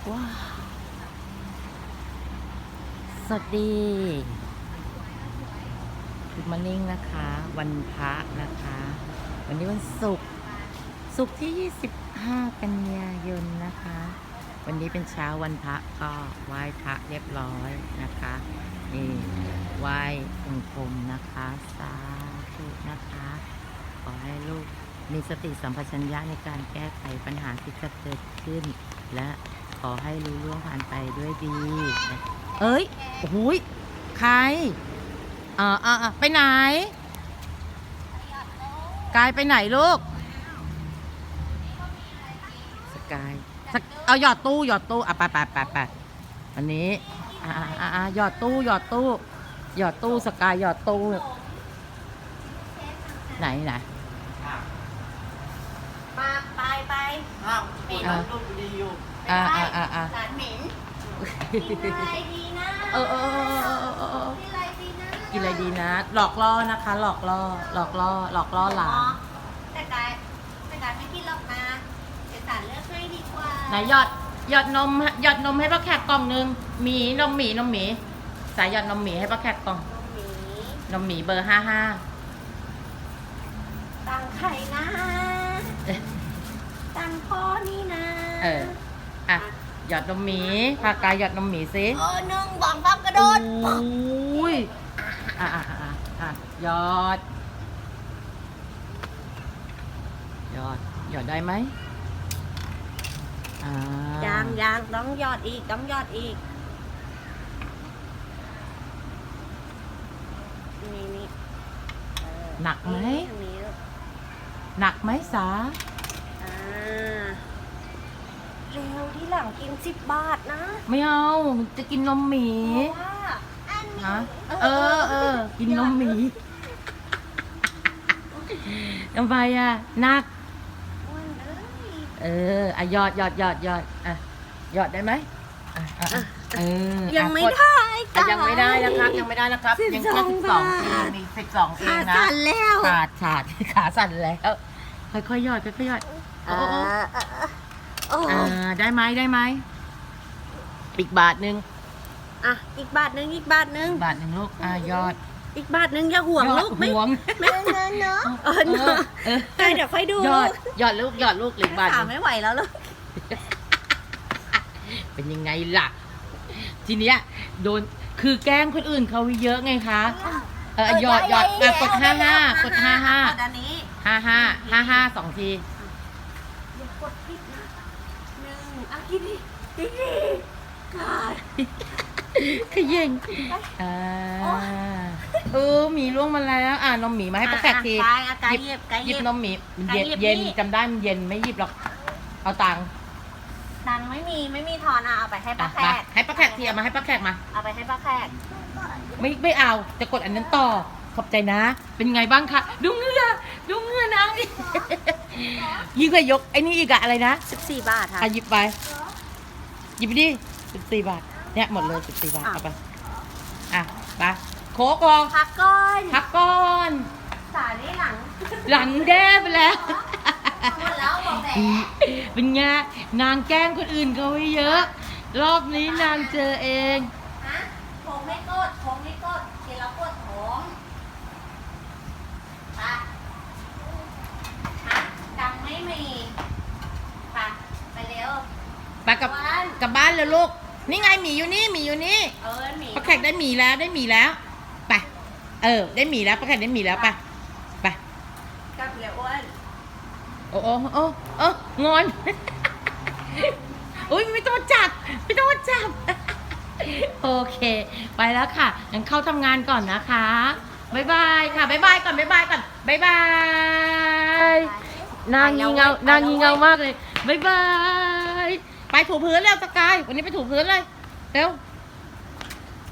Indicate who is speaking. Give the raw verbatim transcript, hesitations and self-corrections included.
Speaker 1: ว้าวสวัสดีคุณมานิ่งนะคะ วันพระนะคะ วันนี้วันศุกร์ศุกร์ที่ยี่สิบห้ากันยายนนะคะ วันนี้เป็นเช้าวันพระก็ไหว้พระเรียบร้อยนะคะนี่ไหว้องค์พรมนะคะสาธุนะคะขอให้ลูกมีสติสัมปชัญญะในการแก้ไขปัญหาที่จะเกิดขึ้นและขอให้รู้ล่วงผ่านไปด้วยดีนะเอ้ยโอ้โหใครอ่าอ่าไปไหนกายไปไหนลูกสกายเอาหยอดตู้หยอดตู้อ่ะไปไปไปไปวันนี้อ่าอ่าอ่าหยอดตู้หยอดตู้หยอดตู้สกายหยอดตู้ไหนไหน
Speaker 2: มาไปไป
Speaker 3: อ้าวเหม็นลูกดีอยู่
Speaker 1: อ่าอ่าอ่าอ่า
Speaker 2: หลานเหม็นกินอะไรดีนะ
Speaker 1: เออเออเออเออเออ
Speaker 2: กินอะไรดีนะ
Speaker 1: กินอะไรดีนะหลอกล่อนะคะหลอกล่อหลอกล่อหลอกล่อหลาน
Speaker 2: แต่กายแต่กายไม่กินหรอกนะเดี๋ยวสารเลือกให้ดีกว่า
Speaker 1: ไหนหยอดหยอดนมหยอดนมให้ป้าแขกกล่องนึงหมีนมหมีนมหมีสายหยอดนมหมีให้ป้าแขกกล่อง
Speaker 2: หมี
Speaker 1: นมหมีเบอร์ห้าห้า
Speaker 2: ตังไข่นะตังพ่อนี่นะ
Speaker 1: เอออ่ะหยอดนมหมีพากายหยอดนมหมีสิ
Speaker 2: เออหนึ่งสองสามกระโดด
Speaker 1: อุ้ยอ่ะอ่ะอ่ะอ่ะหยอดหยอดหยอดได้ไหมอ่า
Speaker 2: ยังยังต้องหยอดอีกต้องหยอดอีกนี่นี่เออ
Speaker 1: หนักไหม
Speaker 2: ทางนี้ลูก
Speaker 1: หนักไหมสา
Speaker 2: อ่าเร็วที่หลังกินสิบบาทนะ
Speaker 1: ไม่เอาจะกินนมหมี
Speaker 2: เพราะว่าอันนี้
Speaker 1: ฮะเออเออกินนมหมีทำไมอ่ะหนัก
Speaker 2: อ้วนเอ้ย
Speaker 1: เอออ่ะหยอดหยอดหยอดหยอดอ่ะหยอดได้ไหมอ่ะอ่ะอ่ะเอออ่ะ
Speaker 2: ยังไม่
Speaker 1: กด
Speaker 2: ได้
Speaker 1: อ่ะยังไม่ได้นะครับยังไม่ได้นะครับยังแค่สิบสองเองมีสิบสองเอ
Speaker 2: ขาง
Speaker 1: นะ
Speaker 2: สั่นแล้ว
Speaker 1: ขาดขาดขาสั่นแล้วค่อยๆหยอดค่อยๆหยอด
Speaker 2: เอ
Speaker 1: โอ้โอ้
Speaker 2: อเออโอ้
Speaker 1: อ่าได้ไหมได้ไหมอีกบาทหนึ่ง
Speaker 2: อ่ะอีกบาทหนึงอีกบาทหนึง
Speaker 1: บาทหนึ่งลูกอ่ะยอด
Speaker 2: อีกบาทหนึงอย่าห่วง
Speaker 1: ยอด
Speaker 2: ลูกไม่
Speaker 1: ห่วง
Speaker 2: ไม่เนอะเนอะเออเนอะ
Speaker 1: เออ
Speaker 2: เออเดี๋ยวค่อยดู
Speaker 1: ยอดยอดลูกยอดลูกหรือบาทห
Speaker 2: ขา
Speaker 1: นึ่ง
Speaker 2: ไม่ไหวแล้วลูก
Speaker 1: เป็นยังไงล่ะ ทีเนี้ยโดนคือแกล้งคนอื่นเขาเยอะไงคะเออหยอดหยอดอ่ะกดห้าห้ากดห้าห้าก
Speaker 2: ดอันนี้
Speaker 1: ห้าห้าห้าห้าสองที
Speaker 2: อย่ากดผิดนะหนึ่งอ่ะกินดิกินดิกาด
Speaker 1: ขย่งอ่าเออหมีล่วงมาแล้วอ่านมหมีมาให้ป้าแขกที
Speaker 2: กายอ่ะกายหยิบกาย
Speaker 1: ห
Speaker 2: ห
Speaker 1: ยิ
Speaker 2: ยิ
Speaker 1: บบ นมหมีมันเย็น
Speaker 2: หยิบ
Speaker 1: เย็น
Speaker 2: นี่
Speaker 1: จำได้มันเย็นไม่หยิบหรอกเอาตังค์
Speaker 2: ตังค์ไม่มีไม่มีทอนอ่ะเอาไปให้ป้า
Speaker 1: อ่ะ
Speaker 2: แข
Speaker 1: มาก ให้ป้าแขกทีเอามาให้ป้าแขกมา
Speaker 2: เอาไปให้ป้าแขก
Speaker 1: ไม่ไม่เอาจะกดอันนั้นต่อขอบใจนะ เป็นไงบ้างคะดูเหงื่อดูเหงื่อนางดิ ยิ่งกว่ายกไอ้นี่อีกอะอะไรนะ
Speaker 2: สิบสี่บาทค่ะ
Speaker 1: อ่ะหยิบไปหยิบไปดิสิบสี่บาทเนี่ยหมดเลยสิบสี่บาท
Speaker 2: อ่ะ
Speaker 1: เอาไปอ่ะไปโค้กลอง
Speaker 2: พักก่อน
Speaker 1: พักก่อน
Speaker 2: สายนี่หลัง
Speaker 1: หลังแด้ไปแล้ว
Speaker 2: หมดแล้วบอกแต่
Speaker 1: เป็นไงนางแกล้งคนอื่นเขาไว้เยอะ รอบนี้นางเจอเอง
Speaker 2: ฮะผมไม่กดผมไม่กดกินแล้วปวดท้องไปฮะดังไม่มีไปไปเร็ว
Speaker 1: ไปกับกลับบ้านเลยลูกนี่ไงหมีอยู่นี่หมีอยู่นี่
Speaker 2: เออหมี
Speaker 1: ป้าแขกได้หมีแล้วได้หมีแล้วไปเออได้หมีแล้วป้าแขกได้หมีแล้วไปไป
Speaker 2: กลับเร็วอ้วน
Speaker 1: โอ้โอ้โอ้โอ้งอน อุ้ยไม่ต้องจับไม่ต้องจับ โอเค ไปแล้วค่ะงั้นเข้าทำงานก่อนนะคะบ๊ายบายค่ะบ๊ายบายก่อนบ๊ายบายก่อนบ๊ายบายนางงีเงานางงีเงามากเลยบ๊ายบายไปถูพื้นแล้วสกายวันนี้ไปถูพื้นเลยเร็ว